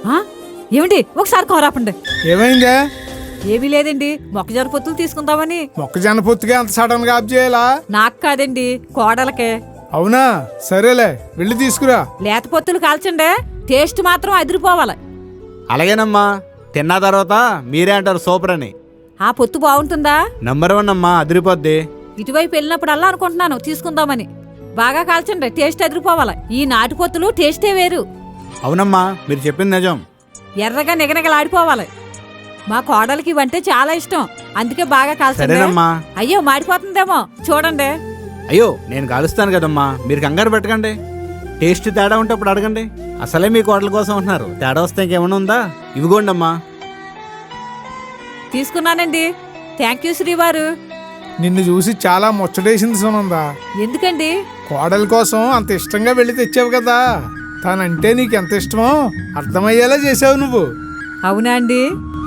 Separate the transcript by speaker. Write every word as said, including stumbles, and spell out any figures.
Speaker 1: ఏమిటి ఒకసారి కోరాపండి.
Speaker 2: ఏమైందే?
Speaker 1: ఏమీ లేదండి, మొక్కజొన్న పొత్తులు తీసుకుందామని.
Speaker 2: మొక్కజొన్న పొత్తుగా అంత సడన్ గా ఆఫ్ చేయాలా?
Speaker 1: నాకు కాదండి, కోడలకే.
Speaker 2: అవునా, సరేలే వెళ్ళి తీసుకురా.
Speaker 1: లేత పొత్తులు కాల్చండి, టేస్ట్ మాత్రం అదిరిపోవాలి.
Speaker 3: అలాగేనమ్మా, తిన్న తర్వాత మీరే అంటారు సూపర్ అని.
Speaker 1: ఆ పొత్తు బాగుంటుందా?
Speaker 3: నంబర్ వన్ అమ్మా, అదిరిపోద్ది.
Speaker 1: ఇటువైపు వెళ్ళినప్పుడల్లా అనుకుంటున్నాను తీసుకుందామని. బాగా కాల్చండి, టేస్ట్ అదిరిపోవాలి. ఈ నాటు పొత్తులు టేస్టే వేరు.
Speaker 3: అవునమ్మా, మీరు చెప్పింది నిజం.
Speaker 1: ఎర్రగా నిగనిగలాడిపోవాలి. మా కోడలికి ఇవంటే చాలా ఇష్టం, అందుకే బాగా కాల్చండి.
Speaker 3: సరేనమ్మా.
Speaker 1: అయ్యో మాడిపోతుందేమో చూడండి.
Speaker 3: అయ్యో నేను కాలుస్తాను కదమ్మా, మీరు కంగారు పెట్టకండి. టేస్ట్ తేడా ఉంటే అప్పుడు అడగండి. అసలే మీ కోటల కోసం ఉంటున్నారు, తేడా వస్తే ఇంకేమైనా ఉందా? ఇవిగోండి అమ్మా.
Speaker 1: తీసుకున్నానండి, థ్యాంక్ యూ శ్రీవారు.
Speaker 2: నిన్ను చూసి చాలా ముచ్చటేసింది సునందా.
Speaker 1: ఎందుకండి?
Speaker 2: కోడల కోసం అంత ఇష్టంగా వెళ్ళి తెచ్చావు కదా, తనంటే నీకు ఎంత ఇష్టమో అర్థమయ్యేలా చేసావు నువ్వు.
Speaker 1: అవునా అండి?